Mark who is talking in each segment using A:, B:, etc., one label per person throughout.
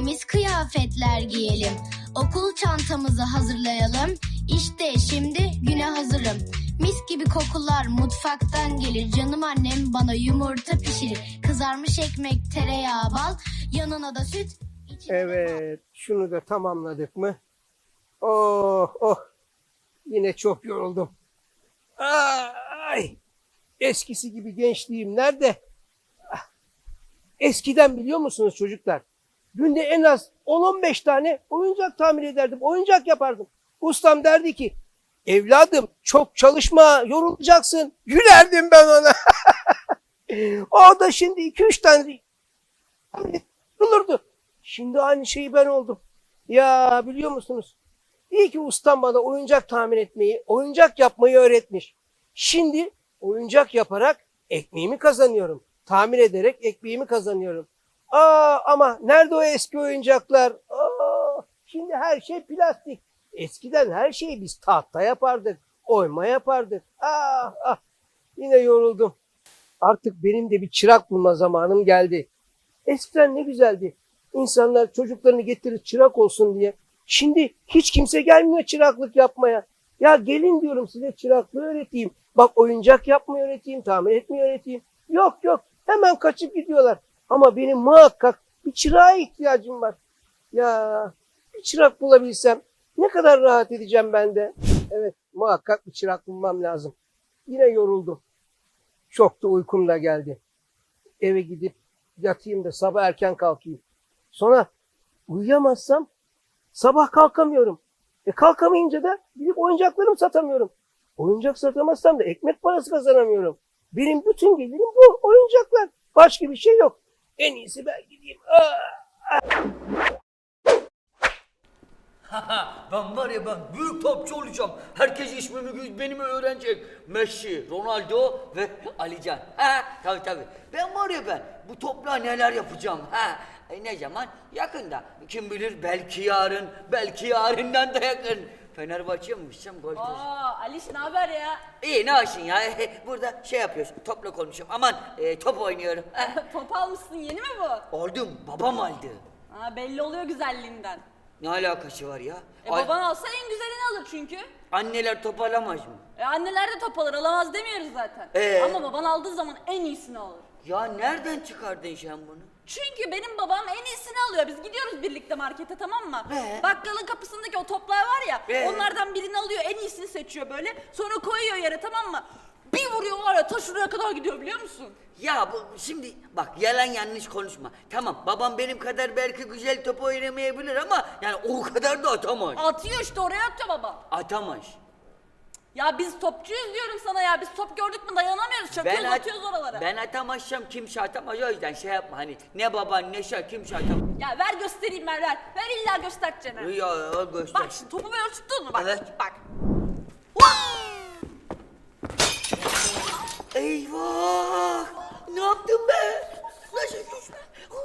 A: temiz kıyafetler giyelim. Okul çantamızı hazırlayalım. İşte şimdi güne hazırım. Mis gibi kokular mutfaktan gelir. Canım annem bana yumurta pişirir. Kızarmış ekmek, tereyağı, bal, yanına da süt.
B: Evet, şunu da tamamladık mı? Oh, oh. Yine çok yoruldum. Ay, eskisi gibi gençliğim nerede? Eskiden biliyor musunuz çocuklar? Günde en az 10-15 tane oyuncak tamir ederdim. Oyuncak yapardım. Ustam derdi ki, evladım çok çalışma, yorulacaksın. Gülerdim ben ona. O da şimdi 2-3 tane yorulurdu. Şimdi aynı şeyi ben oldum. Ya biliyor musunuz? İyi ki ustam bana oyuncak tamir etmeyi, oyuncak yapmayı öğretmiş. Şimdi oyuncak yaparak ekmeğimi kazanıyorum. Tamir ederek ekmeğimi kazanıyorum. Ama nerede o eski oyuncaklar? Şimdi her şey plastik. Eskiden her şeyi biz tahta yapardık, oyma yapardık. Yine yoruldum. Artık benim de bir çırak bulma zamanım geldi. Eskiden ne güzeldi. İnsanlar çocuklarını getirir çırak olsun diye. Şimdi hiç kimse gelmiyor çıraklık yapmaya. Ya gelin diyorum size çıraklığı öğreteyim. Bak oyuncak yapmayı öğreteyim, tamir etmeyi öğreteyim. Yok hemen kaçıp gidiyorlar. Ama benim muhakkak bir çırağa ihtiyacım var. Ya bir çırak bulabilsem ne kadar rahat edeceğim ben de. Evet muhakkak bir çırak bulmam lazım. Yine yoruldum. Çok da uykum da geldi. Eve gidip yatayım da sabah erken kalkayım. Sonra uyuyamazsam sabah kalkamıyorum. Kalkamayınca da gidip oyuncaklarımı satamıyorum. Oyuncak satamazsam da ekmek parası kazanamıyorum. Benim bütün gelirim bu oyuncaklar. Başka bir şey yok. En iyisi ben gideyim.
C: Ben var ya ben büyük topçu olacağım. Herkes ismimi benim öğrenecek. Messi, Ronaldo ve Alican. Tabii. Ben var ya ben bu topla neler yapacağım. Ne zaman? Yakında. Kim bilir belki yarın, belki yarından da yakın. Fenerbahçe'ye mi gitsem gol olsun.
D: Aliş ne haber ya?
C: İyi ne olsun ya. Burada şey yapıyorsun, topla konuşuyorum. Aman top oynuyorum.
D: Top almışsın yeni mi bu?
C: Oldum, babam aldı.
D: Belli oluyor güzelliğinden.
C: Ne alakası var ya?
D: Baban alsa en güzelini alır çünkü.
C: Anneler top alamaz mı?
D: Anneler de top alır, alamaz demiyoruz zaten. Ama baban aldığı zaman en iyisini alır.
C: Ya nereden çıkardın sen bunu?
D: Çünkü benim babam en iyisini alıyor. Biz gidiyoruz birlikte markete, tamam mı? Bakkalın kapısındaki o toplar var ya, onlardan birini alıyor, en iyisini seçiyor böyle. Sonra koyuyor yere, tamam mı? Bir vuruyor var ya, ta şuraya kadar gidiyor biliyor musun?
C: Ya bu şimdi bak yalan yanlış konuşma. Tamam babam benim kadar belki güzel top oynamayabilir ama yani o kadar da atamaz.
D: Atıyor işte, oraya atıyor babam.
C: Atamaz.
D: Ya biz topçuyuz diyorum sana ya. Biz top gördük mü dayanamıyoruz. Çakıyoruz, atıyoruz oralara.
C: Ben atamazsam kimse atamaz, o yüzden şey yapma hani ne baban ne şey kimse atamaz.
D: Ya ver göstereyim ver. Ver illa göstereceğim.
C: Ya göster.
D: Bak şimdi topu böyle tuttun mu? Bak.
C: Evet.
D: Bak.
C: Eyvah! Ne yaptım ben? Nasıl düşme?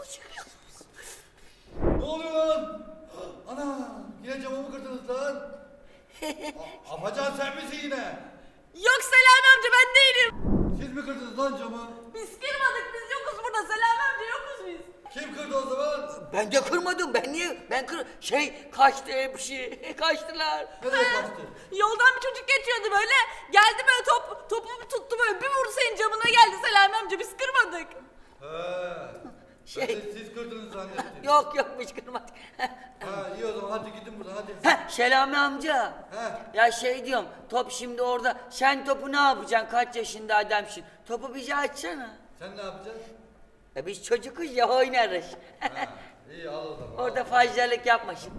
E: Ne oluyor lan? Ana! Yine camımı kırdınız lan. Afacan sen misin yine?
D: Yok Selami amca, ben değilim.
E: Siz mi kırdınız lan camı?
D: Biz kırmadık, biz yokuz burada. Selami amca yokuz biz.
E: Kim kırdı o zaman?
C: Ben de kırmadım. Ben niye? Kaçtı hepsi. Kaçtılar.
E: Nereye kaçtı?
D: Yoldan bir çocuk geçiyordu böyle. Geldi böyle topumu tuttu böyle. Bir vurdu senin camına geldi Selami amca. Biz kırmadık.
E: Ben de siz kırdınız zannettim.
C: Yok biz kırmadık.
E: İyi o zaman hadi gidin buradan hadi.
C: Selami amca. Ya diyorum, top şimdi orada. Sen topu ne yapacaksın? Kaç yaşında adamsın? Topu bize açsana.
E: Sen ne yapacaksın?
C: Biz çocukuz ya, oynarız.
E: İyi al o zaman.
C: Orada fazlalık yapma şimdi.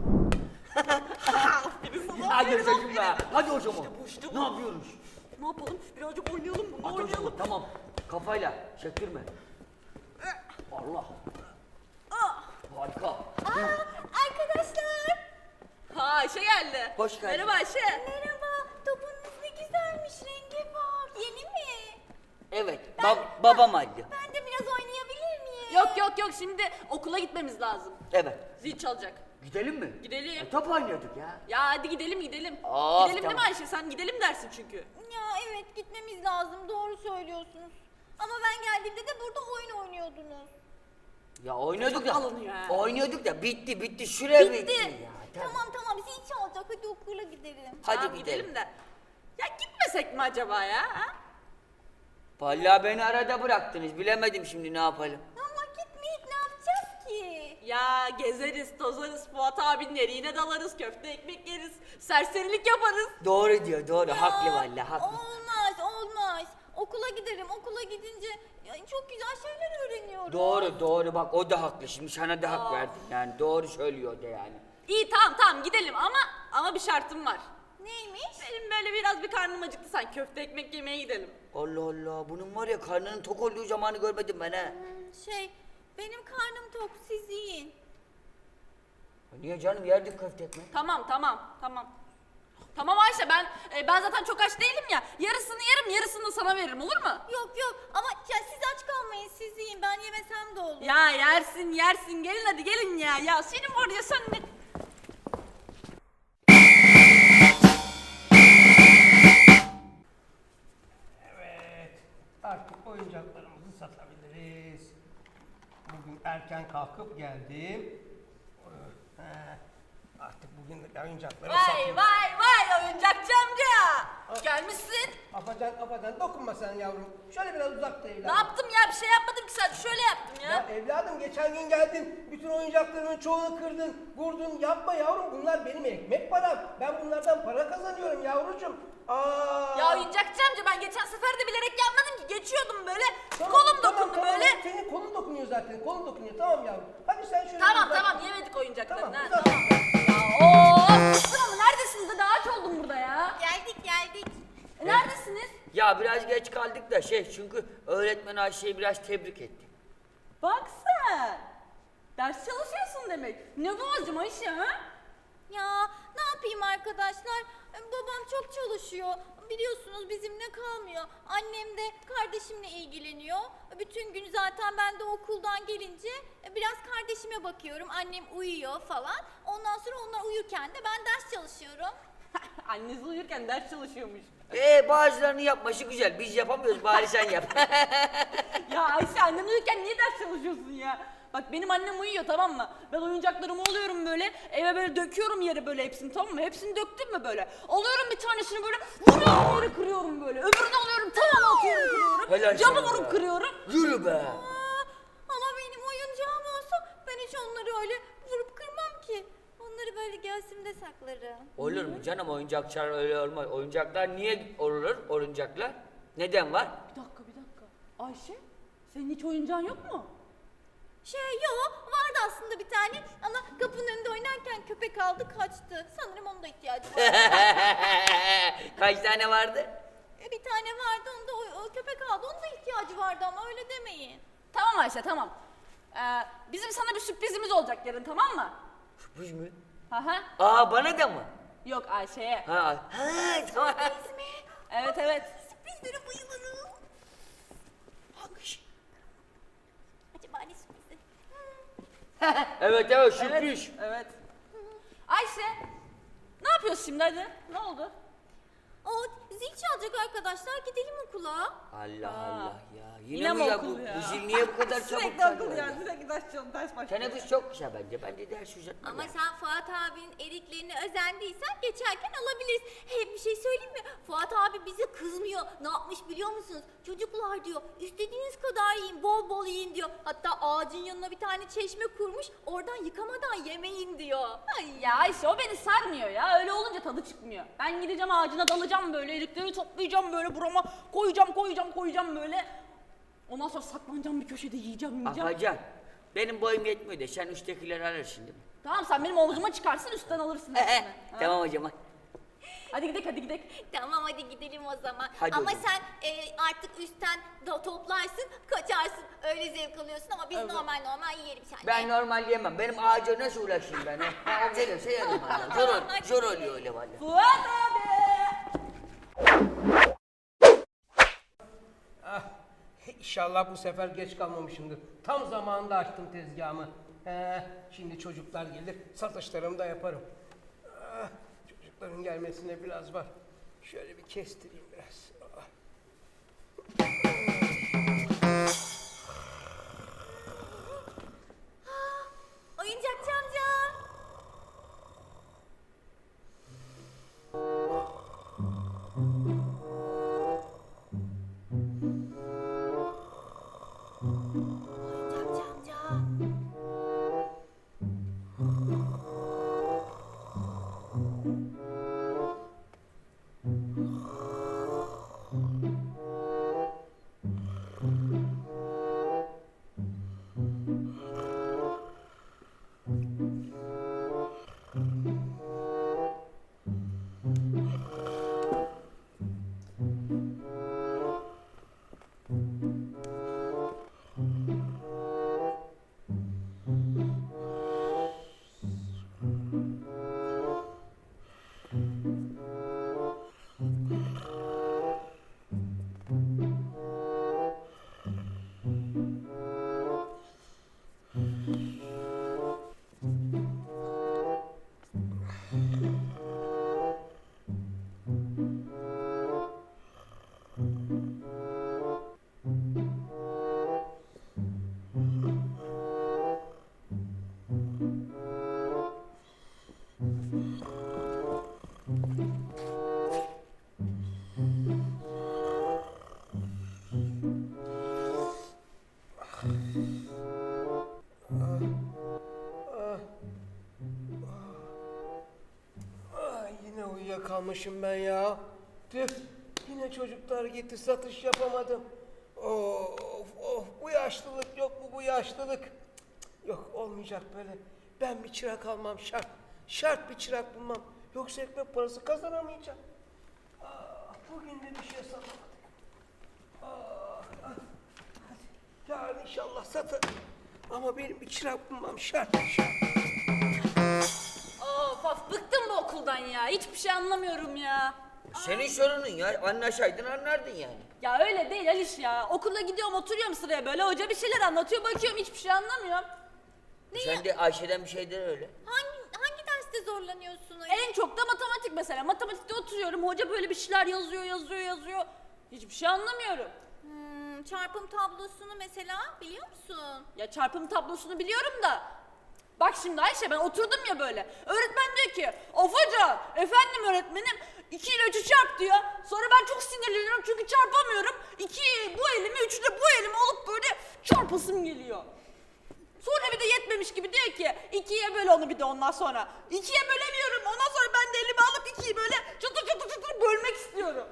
C: Hadi çocuğum be. Hadi o zaman. Ne yapıyoruz?
D: Ne yapalım? Birazcık oynayalım mı?
C: Hadi o zaman, tamam. Kafayla çektirme. Allah. Harika.
D: Arkadaşlar. Ayşe geldi.
C: Hoş geldin.
D: Merhaba Ayşe.
F: Merhaba, topunuz ne güzelmiş, rengi bak. Yeni mi?
C: Evet, babam aldı.
F: Ben de biraz oynayabilir miyim?
D: Yok, şimdi okula gitmemiz lazım.
C: Evet.
D: Zil çalacak.
C: Gidelim mi?
D: Gidelim.
C: Top oynuyorduk ya.
D: Ya hadi gidelim. Gidelim
C: Tamam.
D: değil mi Ayşe? Sen gidelim dersin çünkü.
F: Ya evet, gitmemiz lazım, doğru söylüyorsunuz. Ama ben geldiğimde de burada oyun oynuyordunuz.
C: Ya oynuyorduk da.
D: Alınıyor ha.
C: Oynuyorduk da bitti. Süre bitti. Ya,
F: Tamam zil çalacak hadi okula gidelim.
C: Hadi
D: Tamam,
C: gidelim.
D: de. Ya gitmesek mi acaba ya? Ha?
C: Vallahi beni arada bıraktınız. Bilemedim şimdi ne yapalım.
F: Ama gitmeyip ne yapacağız ki?
D: Ya gezeriz, tozarız, Fuat abinin eriğine dalarız, köfte ekmek yeriz, serserilik yaparız.
C: Doğru diyor, doğru.
F: Ya,
C: Haklı vallahi, haklı.
F: Olmaz. Okula giderim. Okula gidince çok güzel şeyler öğreniyorum.
C: Doğru. Bak o da haklı. Şimdi sana da hak verdim. Yani doğru söylüyor da yani.
D: İyi tamam gidelim ama bir şartım var.
F: Neymiş?
D: Benim böyle biraz bir karnım acıktı, sen köfte ekmek yemeye gidelim.
C: Allah Allah. Bunun var ya karnının tok olduğu zamanı görmedim ben ha.
F: Benim karnım tok siz yiyin.
C: Niye canım, yerdik köfte ekmek.
D: Tamam. Tamam Ayşe, ben zaten çok aç değilim ya. Yarısını yerim, yarısını da sana veririm, olur mu?
F: Yok ama ya siz aç kalmayın siz yiyin ben yemesem de olur.
D: Ya yersin, gelin hadi gelin ya. Ya senin var ya, sen ne...
B: Evet, artık oyuncaklarımızı satabiliriz. Bugün erken kalkıp geldim. Artık bugün de oyuncakları satayım.
D: Vay oyuncakçı amca. Gelmişsin.
B: Afacan dokunma sen yavrum. Şöyle biraz uzakta
D: Ne
B: evladım.
D: yaptım ya, bir şey yapmadım ki, sadece şöyle yaptım ya.
B: Ya evladım geçen gün geldin, bütün oyuncaklarımın çoğunu kırdın, vurdun. Yapma yavrum, bunlar benim ekmek param. Ben bunlardan para kazanıyorum yavrucuğum.
D: Ya oyuncakçı amca, ben geçen sefer de bilerek yapmadım ki, geçiyordum böyle.
B: Tamam,
D: Kolum
B: tamam,
D: dokundu böyle.
B: Senin kolun dokunuyor zaten, kolun dokunuyor. Tamam yavrum. Hadi sen şöyle
D: Tamam
B: uzak.
D: yemedik oyuncaklarını.
B: Tamam,
D: ha,
B: uzak.
D: tamam. Ya bıktım ama neredesiniz? Daha aç oldum burada ya.
F: Geldik.
D: Neredesiniz?
C: Ya biraz geç kaldık da çünkü öğretmen Ayşe'yi biraz tebrik etti.
D: Bak sen. Ders çalışıyorsun demek. Ne bu acım Ayşe ha?
F: Ya ne yapayım arkadaşlar? Babam çok çalışıyor. Biliyorsunuz bizimle kalmıyor. Annem de kardeşimle ilgileniyor. Bütün gün zaten ben de okuldan gelince biraz kardeşime bakıyorum. Annem uyuyor falan. Ondan sonra onlar uyurken de ben ders çalışıyorum.
D: Annesi uyurken ders çalışıyormuş.
C: Bazılarını yapması güzel. Biz yapamıyoruz, bari sen yap.
D: Ya Ayşe, annen uyurken niye ders çalışıyorsun ya? Bak benim annem uyuyor, tamam mı? Ben oyuncaklarımı alıyorum böyle, eve böyle döküyorum yere böyle hepsini, tamam mı? Hepsini döktüm mü böyle? Alıyorum bir tanesini böyle, vuruyorum yere kırıyorum böyle. Öbürünü alıyorum, tavana atıyorum kırıyorum.
C: Helal
D: Camı
C: sana
D: vurup
C: be.
D: kırıyorum.
C: Yürü be.
F: Ama benim oyuncağım olsa ben hiç onları öyle vurup kırmam ki. Onları böyle göğsümde saklarım.
C: Olur mu canım, oyuncaklar öyle olmaz. Oyuncaklar niye olur, oyuncaklar? Neden var?
D: Bir dakika. Ayşe, senin hiç oyuncağın yok mu?
F: Yok vardı aslında bir tane ama kapının önünde oynarken köpek aldı kaçtı. Sanırım onun da ihtiyacı var.
C: Kaç tane vardı?
F: Bir tane vardı onda o köpek aldı onun da ihtiyacı vardı ama öyle demeyin.
D: Tamam Ayşe, tamam. Bizim sana bir sürprizimiz olacak yarın, tamam mı?
C: Sürpriz mi?
D: Aha.
C: Bana da mı?
D: Yok Ayşe'ye.
C: Tamam.
D: Evet.
F: Sürprizlere bayılırım. Acaba ne sürprizi?
C: Evet sürpriz.
D: Evet. Ayşe, ne yapıyorsun şimdi, hadi? Ne oldu?
F: O zil çalacak arkadaşlar gidelim okula.
C: Allah ya. Yine
D: Yine
C: mi
D: mi
C: ya
D: okul
C: bu?
D: ya?
C: Bu zil niye bu kadar çabuk
D: Sürekli
C: çalıyor?
D: okul ya, sürekli ders başlıyor.
C: Teneffüs çok kısa bence. Ben de ders uzatmam.
F: Ama
C: yani.
F: sen Fuat abinin eriklerine özendiysen geçerken alabiliriz. Hem bir şey söyleyeyim mi? Fuat abi bize kızmıyor. Ne yapmış biliyor musunuz? Çocuklar diyor istediğiniz kadar yiyin bol bol yiyin diyor. Hatta ağacın yanına bir tane çeşme kurmuş. Oradan yıkamadan yemeyin diyor. Ay
D: Ya Ayşe, o beni sarmıyor ya. Öyle olunca tadı çıkmıyor. Ben gideceğim ağacına dalacağım böyle, erikleri toplayacağım böyle, burama koyacağım böyle. Ondan sonra saklanacağım bir köşede, yiyeceğim.
C: Afacan, benim boyum yetmiyor da sen üsttekileri alırsın değil mi?
D: Tamam, sen benim omzuma çıkarsın, üstten alırsın hepsini. Ha?
C: Tamam o zaman.
D: Hadi gidelim.
F: tamam hadi gidelim o zaman.
C: Hadi
F: ama
C: o zaman.
F: sen artık üstten toplarsın, kaçarsın. Öyle zevk alıyorsun ama biz normal yiyelim seninle.
C: Ben normal yemem. Benim ağaca nasıl ulaşayım ben? O gelirse yerim valla. Zor oluyor öyle valla.
D: Fuat abi!
B: İnşallah bu sefer geç kalmamışımdır. Tam zamanında açtım tezgahımı. Şimdi çocuklar gelir, satışlarımı da yaparım. Çocukların gelmesine biraz var. Şöyle bir kestireyim biraz. kalmışım ben ya. Tüh, yine çocuklar gitti, satış yapamadım. Of, bu yaşlılık yok mu bu yaşlılık? Cık, yok, olmayacak böyle. Ben bir çırak almam şart. Şart bir çırak bulmam. Yoksa ekmek parası kazanamayacağım. Bugün de bir şey satamadık. Hadi. Yarın inşallah satarım. Ama benim bir çırak bulmam şart.
D: Of bıktım bu okuldan ya. Hiçbir şey anlamıyorum ya.
C: Senin sorunun ya. Anlaşaydın anlardın yani.
D: Ya öyle değil Aliş ya. Okula gidiyorum oturuyorum sıraya böyle. Hoca bir şeyler anlatıyor bakıyorum hiçbir şey anlamıyorum.
C: Sen de Ayşe'den bir şeyden öyle.
F: Hangi derste zorlanıyorsun?
D: En çok da matematik mesela. Matematikte oturuyorum. Hoca böyle bir şeyler yazıyor. Hiçbir şey anlamıyorum.
F: Çarpım tablosunu mesela biliyor musun?
D: Ya çarpım tablosunu biliyorum da. Bak şimdi Ayşe ben oturdum ya böyle. Öğretmen diyor ki of hoca efendim öğretmenim 2 ile 3'ü çarp diyor. Sonra ben çok sinirleniyorum çünkü çarpamıyorum. 2'yi bu elime 3'ü de bu elime alıp böyle çarpasım geliyor. Sonra bir de yetmemiş gibi diyor ki 2'ye böl onu bir de ondan sonra. 2'ye bölemiyorum ondan sonra ben de elime alıp 2'yi böyle çıtır bölmek istiyorum.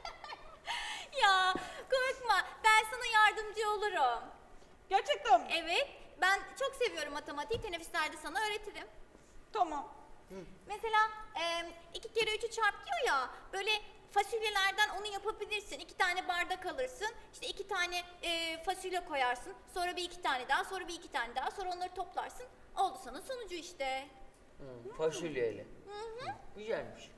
F: Ya korkma, ben sana yardımcı olurum.
D: Gerçekten mi?
F: Evet, ben çok seviyorum matematiği, teneffüslerde sana öğretirim.
D: Tamam.
F: Mesela 2 kere 3'ü çarp diyor ya, böyle fasulyelerden onu yapabilirsin. 2 tane bardak alırsın, işte 2 tane fasulye koyarsın, sonra bir 2 tane daha, sonra bir 2 tane daha, sonra onları toplarsın. Oldu sana sonucu işte.
C: Fasulyeyle. Güzelmiş.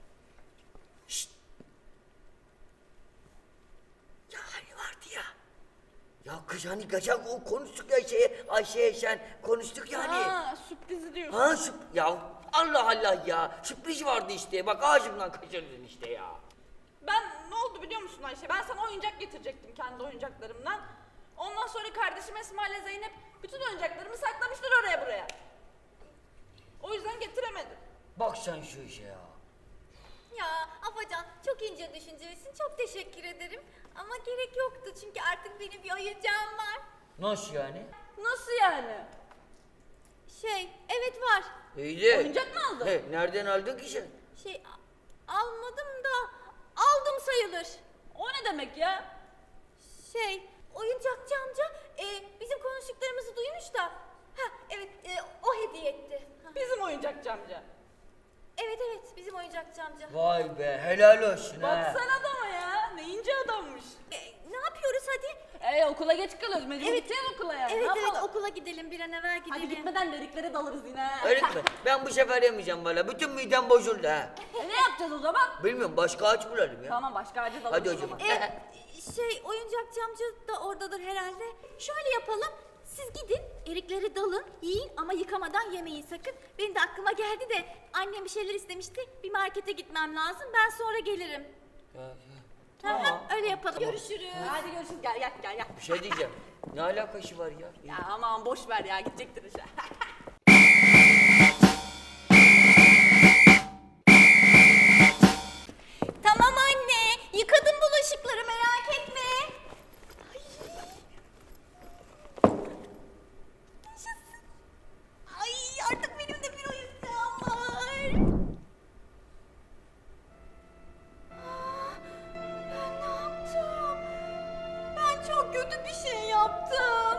C: Ya hani vardı ya. Ya kız hani kaçak o konuştuk ya Ayşe'ye sen konuştuk ya hani.
D: Ha sürprizi diyorsun.
C: Ha ya Allah Allah ya. Sürpriz vardı işte. Bak ağacımdan kaçırdın işte ya.
D: Ben ne oldu biliyor musun Ayşe? Ben sana oyuncak getirecektim kendi oyuncaklarımdan. Ondan sonra kardeşim Esma ile Zeynep bütün oyuncaklarımı saklamışlar oraya buraya. O yüzden getiremedim.
C: Bak sen şu işe ya.
F: Ya Afacan, çok ince düşüncelisin, çok teşekkür ederim. Ama gerek yoktu çünkü artık benim bir oyuncağım var.
C: Nasıl yani?
D: Nasıl yani?
F: Evet var.
C: İyi de.
D: Oyuncak mı aldın?
C: He, nereden aldın ki sen?
F: Almadım da aldım sayılır.
D: O ne demek ya?
F: Oyuncakçı amca bizim konuştuklarımızı duymuş da. Evet, o hediye etti.
D: Bizim oyuncakçı amca.
F: Evet, bizim oyuncakçı amca.
C: Vay be helal olsun ha.
D: Baksana adama ya. Ne ince adammış.
F: Ne yapıyoruz hadi?
D: Okula geç kalıyoruz. Mecbur gideceğiz okula yani.
F: Evet,
D: Ne yapalım?
F: okula gidelim, bir an evvel gidelim.
D: Hadi gitmeden deriklere dalarız yine.
C: Öğretmen ben bu sefer yemeyeceğim valla. Bütün midem bozuldu ha.
D: Ne yapacağız o zaman?
C: Bilmiyorum başka ağaç bulalım ya.
D: Tamam başka ağaca dalarız
C: Hadi
D: o
C: hocam.
D: zaman.
F: Oyuncakçı amca da oradadır herhalde. Şöyle yapalım. Siz gidin, erikleri dalın, yiyin ama yıkamadan yemeyin sakın. Benim de aklıma geldi de annem bir şeyler istemişti. Bir markete gitmem lazım. Ben sonra gelirim.
C: Tamam.
F: Öyle yapalım. Görüşürüz.
D: Hadi görüşürüz gel.
C: Bir şey diyeceğim. Ne alakası var ya?
D: Ya aman boş ver ya gidecektir işe.
F: Tamam anne. Yıkadım bulaşıkları, merak etme. Yaşasın. Artık benim de bir oyuncağım var. Ben ne yaptım? Ben çok kötü bir şey yaptım.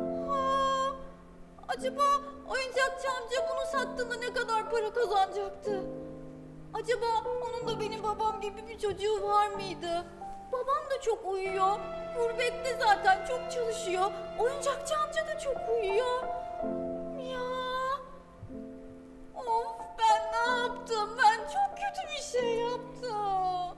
F: Acaba oyuncakçı amca bunu sattığında ne kadar para kazanacaktı? Acaba onun da benim babam gibi bir çocuğu var mıydı? Babam da çok uyuyor. Gurbette zaten çok çalışıyor. Oyuncakçı amca da çok uyuyor. Ya. Of, ben ne yaptım? Ben çok kötü bir şey yaptım.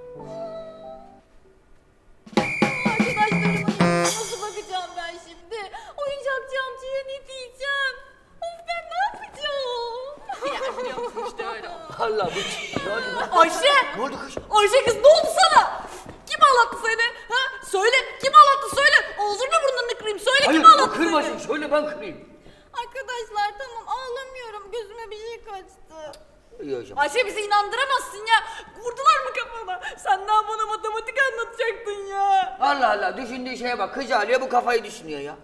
F: Arkadaşlarımın yanına nasıl bakacağım ben şimdi? Oyuncakçı amcaya ne diyeceğim? Of, ben ne yapacağım?
D: Ya biliyor musun işte öyle.
C: Allah bu ne oldu lan?
D: Ayşe!
C: Ne oldu kız?
D: Ayşe kız ne oldu sana? Kim ağlattı seni? Ha? Söyle kim ağlattı söyle. Ağzını burnunu kırayım söyle
C: Hayır
D: kim
C: o
D: ağlattı
C: kırmasın.
D: seni?
C: Söyle ben kırayım.
F: Arkadaşlar tamam, ağlamıyorum. Gözüme bir şey kaçtı.
C: İyi hocam.
D: Ayşe bizi inandıramazsın ya. Vurdular mı kafana? Sen daha bana matematik anlatacaktın ya.
C: Allah Allah düşündüğü şeye bak. Kız ağlıyor bu kafayı düşünüyor ya.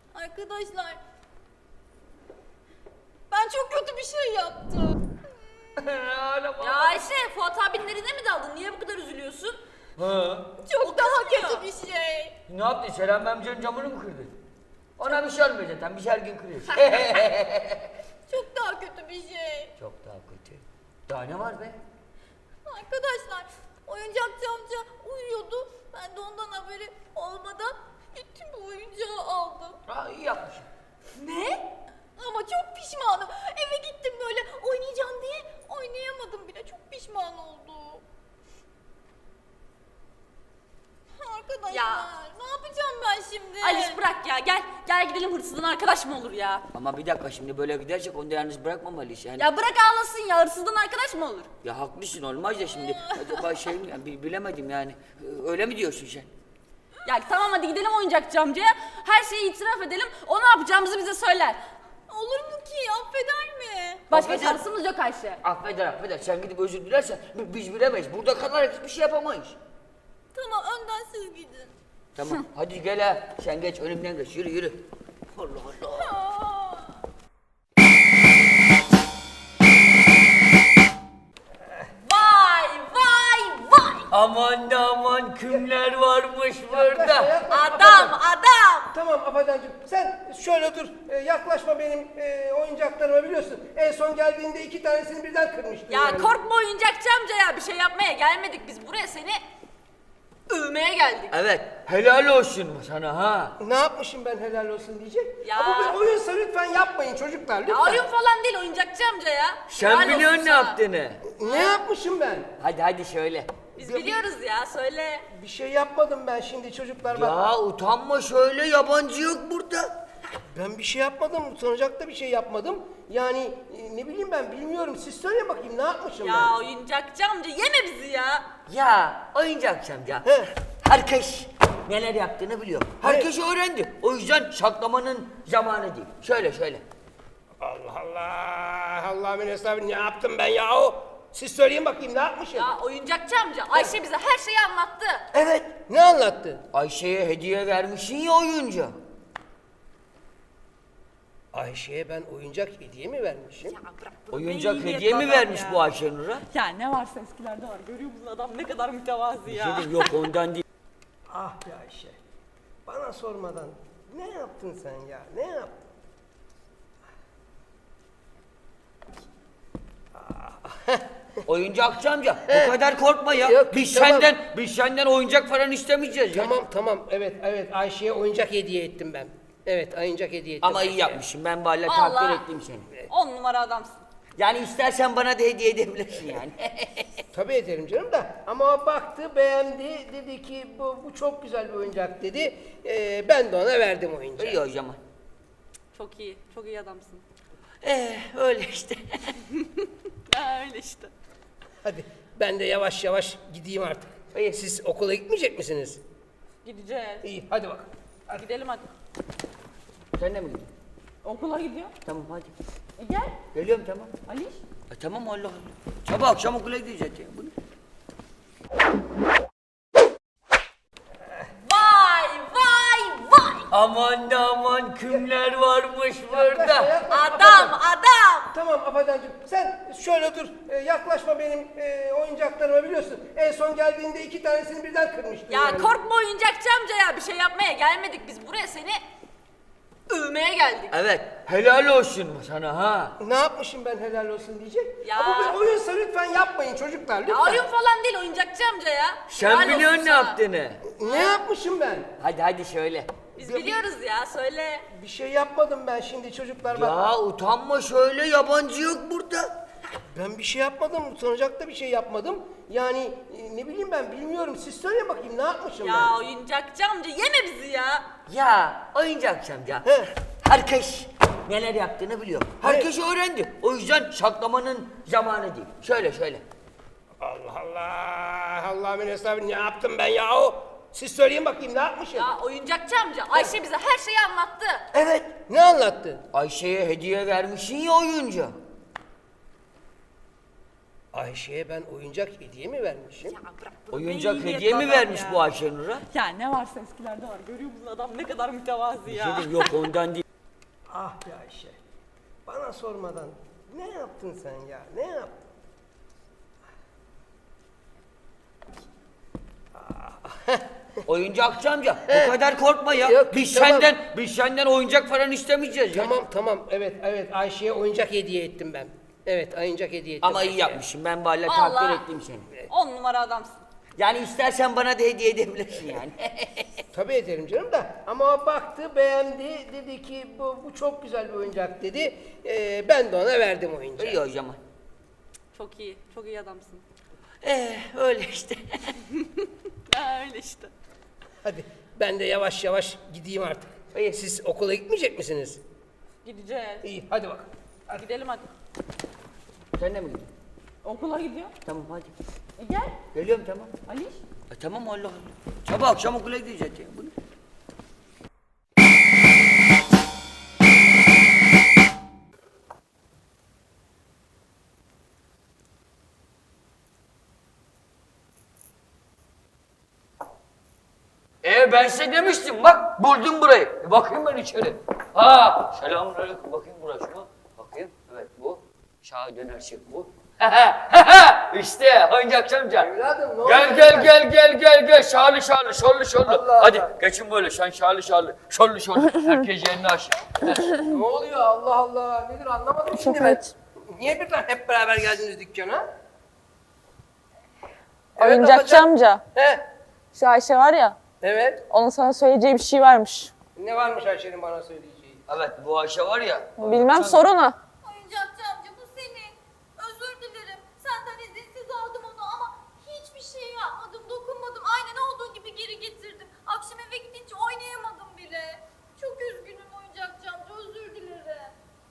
F: Arkadaşlar, ben çok kötü bir şey yaptım.
C: Ağlama.
D: Ya Ayşe, Fuat abinin eline mi daldın? Niye bu kadar üzülüyorsun?
C: Ha.
F: Çok daha
D: kızmıyor.
F: kötü bir şey.
C: Ne yaptın? Selam amcanın camını mı kırdın? Ona bir şey olmuyor zaten. Biz her gün kırıyoruz.
F: Çok daha kötü bir şey.
C: Çok daha kötü. Daha ne var be?
F: Arkadaşlar, oyuncakçı amca uyuyordu. Ben de ondan haberi olmadan gittim bu oyuncağı aldım.
C: Ha, iyi yapmışsın.
F: Ne? Ama çok pişmanım. Eve gittim böyle oynayacağım diye oynayamadım bile. Çok pişman oldum. Arkadaşlar
D: Ya.
F: ne yapacağım ben şimdi?
D: Aliş bırak ya, gel. Gel gidelim, hırsızdan arkadaş mı olur ya?
C: Ama bir dakika, şimdi böyle gidersek onu da yalnız bırakmamalıyız yani.
D: Ya bırak ağlasın ya, hırsızdan arkadaş mı olur?
C: Ya haklısın, olmaz da şimdi. Acaba şey mi, yani bilemedim yani. Öyle mi diyorsun sen?
D: Ya tamam, hadi gidelim oyuncakçı amcaya. Her şeyi itiraf edelim. O ne yapacağımızı bize söyler.
F: Olur mu ki? Affeder mi?
D: Başka
C: Affeder.
D: şansımız yok Ayşe.
C: Affeder. Sen gidip özür dilersen biz bilemeyiz. Burada kalarak hiçbir şey yapamayız.
F: Tamam, önden siz gidin.
C: Tamam, hadi gel ha. Sen geç, önümden geç. Yürü. Allah Allah.
F: Aa.
D: Vay!
C: Aman da aman, kimler varmış burada.
D: Adam!
B: Tamam Afacancığım, sen şöyle dur. Yaklaşma benim oyuncaklarıma, biliyorsun. En son geldiğinde 2 tanesini birden kırmıştın.
D: Ya
B: yani.
D: korkma oyuncakçı amca ya, bir şey yapmaya gelmedik biz. Buraya seni övmeye geldik.
C: Evet, helal olsun sana ha.
B: Ne yapmışım ben helal olsun diyecek?
D: Ya.
B: Ama bir oyunsa lütfen yapmayın çocuklar, lütfen.
D: Ya oyun falan değil oyuncakçı amca ya.
C: Sen
D: Helal olsun
C: biliyorsun ne
D: sana.
C: yaptığını.
B: Ne yapmışım ben?
C: Hadi söyle.
D: Biz biliyoruz ya, söyle.
B: Bir şey yapmadım ben şimdi çocuklar, bak.
C: Ya utanma, söyle, yabancı yok burada.
B: Ben bir şey yapmadım, utanacak da bir şey yapmadım. Yani ne bileyim ben, bilmiyorum. Siz söyle bakayım, ne yapmışım
D: Ya
B: ben?
D: oyuncakçı amca yeme bizi ya.
C: Ya oyuncakçı amca.
B: He.
C: Herkes neler yaptığını biliyor. Herkes öğrendi. O yüzden saklamanın zamanı değil. Söyle.
B: Allah Allah, Allah'ın hesabı, ne yaptım ben yahu? Siz söyleyin bakayım, ne yapmışım?
D: Ya oyuncakçı amca, Ayşe bize her şeyi anlattı.
C: Evet.
B: Ne anlattı?
C: Ayşe'ye hediye vermişsin ya oyuncu.
B: Ayşe'ye ben oyuncak hediye mi vermişim?
D: Ya bırak bunu,
C: Oyuncak
D: iyi niyetli
C: hediye mi
D: adam
C: vermiş
D: ya.
C: bu Ayşenur'a?
D: Ya ne varsa eskilerde var, görüyor musun adam ne kadar mütevazı ya.
C: Dedim yok, ondan değil.
B: Ah be Ayşe, bana sormadan ne yaptın sen ya, ne yaptın?
C: Oyuncakçı amca, bu kadar korkma ya.
B: Yok,
C: biz
B: tamam.
C: senden oyuncak falan istemeyeceğiz ya.
B: Tamam, evet, Ayşe'ye oyuncak hediye ettim ben. Evet, oyuncak hediye ettim.
C: Ama iyi
B: Ayşe'ye.
C: yapmışsın. Ben vallahi
D: Vallahi.
C: takdir ettim seni.
D: 10 numara adamsın.
C: Yani istersen bana da hediye edebilirsin yani.
B: Tabii ederim canım da, ama o baktı, beğendi, dedi ki bu çok güzel bir oyuncak dedi. Ben de ona verdim oyuncağı.
C: İyi o zaman.
D: Çok iyi adamsın.
C: Öyle işte.
D: Ya öyle işte.
B: Hadi ben de yavaş yavaş gideyim artık.
C: İyi.
B: Siz okula gitmeyecek misiniz?
D: Gideceğiz.
B: İyi, hadi bakalım.
D: Gidelim hadi.
C: Sen de mi gidiyorsun?
D: Okula gidiyor.
C: Tamam hadi.
D: Gel.
C: Geliyorum, tamam.
D: Aliş.
C: Tamam, Allah Allah. Sabah akşam okula gideceğiz ya. Bu ne?
D: Vay!
C: Aman da aman, kimler varmış burada.
D: Adam!
B: Tamam Afacancığım, sen şöyle dur. Yaklaşma benim oyuncaklarıma, biliyorsun. En son geldiğinde 2 tanesini birden kırmıştın.
D: Ya
B: yani.
D: korkma oyuncakçı amca ya, bir şey yapmaya gelmedik biz. Buraya seni övmeye geldik.
C: Evet, helal olsun sana ha.
B: Ne yapmışım ben helal olsun diyecek?
D: Ya.
B: Ama bir oyunsa lütfen yapmayın çocuklar, lütfen.
D: Ya oyun falan değil oyuncakçı amca ya.
C: Sen
D: Helal olsun
C: biliyorsun ne
D: sana.
C: yaptığını.
B: Ne yapmışım ben?
C: Hadi söyle.
D: Biz biliyoruz ya, söyle.
B: Bir şey yapmadım ben şimdi çocuklar, bak.
C: Ya utanma, söyle, yabancı yok burada.
B: Ben bir şey yapmadım, utanacak da bir şey yapmadım. Yani ne bileyim ben, bilmiyorum. Siz söyle bakayım, ne yapmışım
D: Ya
B: ben?
D: oyuncakçı amca yeme bizi ya.
C: Ya oyuncakçı amca.
B: He.
C: Herkes neler yaptığını biliyor. Herkes öğrendi. O yüzden saklamanın zamanı değil. Söyle.
B: Allah Allah, Allah'ın hesabı, ne yaptım ben yahu? Siz söyleyin bakayım, ne yapmışım?
D: Ya oyuncakçı amca, Ayşe bize her şeyi anlattı.
C: Evet.
B: Ne anlattı?
C: Ayşe'ye hediye vermişsin ya oyuncu.
B: Ayşe'ye ben oyuncak hediye mi vermişim?
D: Ya bırak bunu,
C: Oyuncak
D: iyi niyetli
C: hediye mi
D: adam
C: vermiş
D: ya.
C: bu Ayşenur'a?
D: Ya ne varsa eskilerde var, görüyor musun adam ne kadar mütevazı ya.
C: Dedim yok, ondan değil.
B: Ah be Ayşe, bana sormadan ne yaptın sen ya, ne yaptın?
C: Oyuncakçı amca bu kadar korkma ya.
B: Yok,
C: biz
B: tamam.
C: senden oyuncak falan istemeyeceğiz ya.
B: Tamam evet Ayşe'ye oyuncak hediye ettim ben. Evet oyuncak hediye ettim.
C: Ama iyi
B: Ayşe'ye.
C: yapmışsın. Ben vallahi
D: Vallahi.
C: takdir ettim seni.
D: 10 numara adamsın.
C: Yani istersen bana da hediye edebilirsin yani.
B: Tabii ederim canım da. Ama o baktı beğendi dedi ki bu çok güzel bir oyuncak dedi. Ben de ona verdim oyuncağı.
C: İyi o zaman.
D: Çok iyi. Çok iyi adamsın.
C: Öyle işte.
D: Öyle işte.
B: Hadi ben de yavaş yavaş gideyim artık.
C: İyi.
B: Siz okula gitmeyecek misiniz?
D: Gideceğiz.
B: İyi hadi bakalım.
D: Gidelim hadi.
C: Sen de mi gidiyorsun?
D: Okula gidiyor.
C: Tamam hadi.
D: Gel.
C: Geliyorum tamam.
D: Aliş.
C: Tamam Allah Allah. Sabah akşam okula gideceğiz ya. Bu ne? Ben size demiştim bak buldum burayı. Bakayım ben içeri. Selamünaleyküm bakayım burası mı? Bakayım evet bu. Şaha döner bu. İşte oyuncakçı amca.
B: Evladım, ne
C: Gel
B: oluyor?
C: gel şarlı.
B: Allah
C: Hadi
B: Allah.
C: geçin böyle sen şarlı. Herkes yerini aşır.
B: Ne oluyor Allah Allah nedir anlamadım şimdi ben. Niye birden hep beraber geldiniz dükkana?
G: Oyuncakçı
B: Afacan.
G: amca.
B: He
G: Şu Ayşe var ya,
B: evet.
G: onun sana söyleyeceği bir şey varmış.
B: Ne varmış Ayşe'nin bana söyleyeceği?
C: Evet bu Ayşe var ya.
G: Bilmem, sor ona.
F: Oyuncakçı amca bu senin. Özür dilerim. Senden izinsiz aldım onu ama hiçbir şey yapmadım, dokunmadım. Aynen olduğu gibi geri getirdim. Akşam eve gidince oynayamadım bile. Çok üzgünüm oyuncakçı amca, özür dilerim.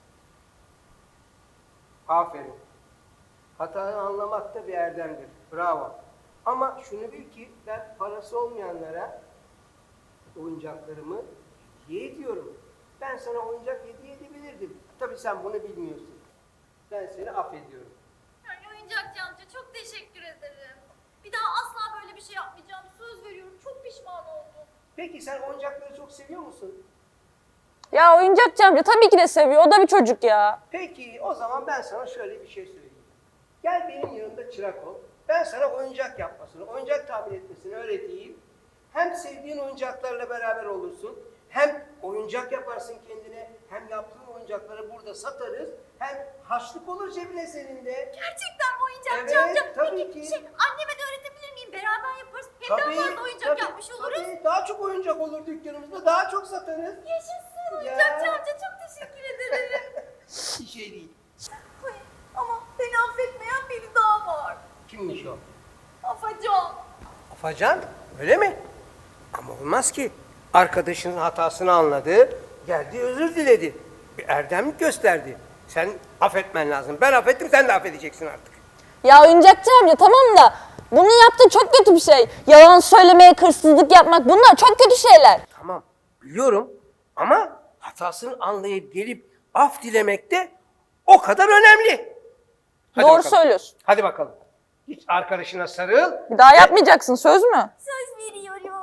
B: Aferin. Hatanı anlamak da bir erdemdir. Bravo. Ama şunu bil ki ben parası olmayanlara oyuncaklarımı hediye ediyorum. Ben sana oyuncak hediye edebilirdim. Tabii sen bunu bilmiyorsun. Ben seni affediyorum.
F: Yani oyuncakçı amca çok teşekkür ederim. Bir daha asla böyle bir şey yapmayacağım. Söz veriyorum. Çok pişman oldum.
B: Peki sen oyuncakları çok seviyor musun?
G: Ya oyuncakçı amca tabii ki de seviyor, o da bir çocuk ya.
B: Peki o zaman ben sana şöyle bir şey söyleyeyim. Gel benim yanımda çırak ol. Ben sana oyuncak yapmasını, oyuncak tamir etmesini öğreteyim. Hem sevdiğin oyuncaklarla beraber olursun. Hem oyuncak yaparsın kendine. Hem yaptığın oyuncakları burada satarız. Hem harçlık olur cebine senin de.
F: Gerçekten mi oyuncakçı
B: Evet,
F: amca?
B: tabii
F: Peki
B: ki.
F: anneme de öğretebilir miyim? Beraber yaparız. Hem daha fazla oyuncak yapmış oluruz.
B: Tabii, daha çok oyuncak olur dükkanımızda. Daha çok satarız.
F: Yaşasın oyuncakçı amca, çok teşekkür ederim.
B: Bir şey değil.
F: Ay, ama beni affetmeyen biri daha var.
B: Kimmiş o?
F: Afacan.
B: Afacan öyle mi? Ama olmaz ki. Arkadaşının hatasını anladı, geldi özür diledi. Bir erdemlik gösterdi. Sen affetmen lazım. Ben affettim, sen de affedeceksin artık.
G: Ya oyuncakçı amca tamam da bunu yaptığın çok kötü bir şey. Yalan söylemeye, hırsızlık yapmak, bunlar çok kötü şeyler.
B: Tamam, biliyorum ama hatasını anlayıp gelip af dilemek de o kadar önemli. Hadi
G: Doğru
B: bakalım.
G: söylüyorsun.
B: Hadi bakalım. Git arkadaşına sarıl.
G: Bir daha yapmayacaksın, söz mü?
F: Söz veriyorum.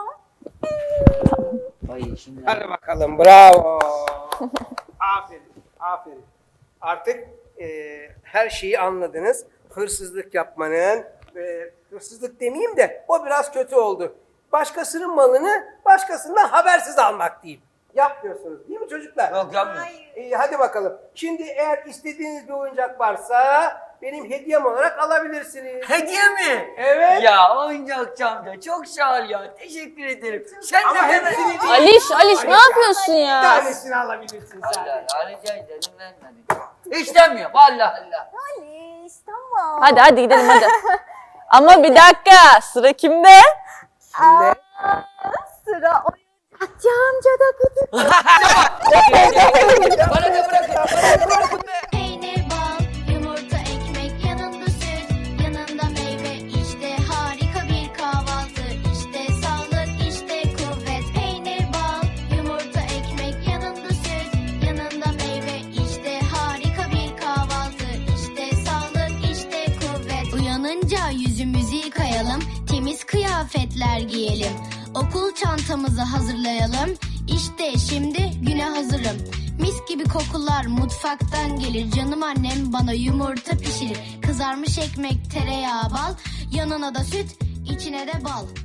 C: Ay şimdi.
B: Hadi bakalım, bravo. Aferin. Artık her şeyi anladınız. Hırsızlık yapmanın, hırsızlık demeyeyim de o biraz kötü oldu. Başkasının malını başkasından habersiz almak diyeyim. Yapmıyorsunuz değil mi çocuklar?
C: Yok yapmıyorum.
B: İyi, hadi bakalım. Şimdi eğer istediğiniz bir oyuncak varsa benim hediyem olarak alabilirsiniz.
C: Hediye mi?
B: Evet.
C: Ya oyuncakçı amca çok sağ ol ya. Teşekkür ederim. Sen
B: Ama
C: de hemen.
B: hepsini değil.
G: Aliş ne yapıyorsun
B: Bir
G: ya?
B: tanesini alabilirsin
C: Allah
B: sadece.
C: Allah rica ederim ben hadi. İstemiyorum Allah Allah.
F: Aliş, tamam.
G: Hadi gidelim hadi. Ama bir dakika, sıra kimde?
F: Sıra oyuncakçı amcada kutu.
C: Bana da bırakın.
A: Peynir, bal, yumurta, ekmek, yanında süt, yanında meyve. İşte harika bir kahvaltı. İşte sağlık, işte kuvvet. Peynir, bal, yumurta, ekmek, yanında süt, yanında meyve. İşte harika bir kahvaltı. İşte sağlık, işte kuvvet. Uyanınca yüzümüzü yıkayalım, temiz kıyafetler giyelim. Okul çantamızı hazırlayalım. İşte şimdi güne hazırım. Mis gibi kokular mutfaktan gelir. Canım annem bana yumurta pişirir. Kızarmış ekmek, tereyağı, bal. Yanına da süt, içine de bal.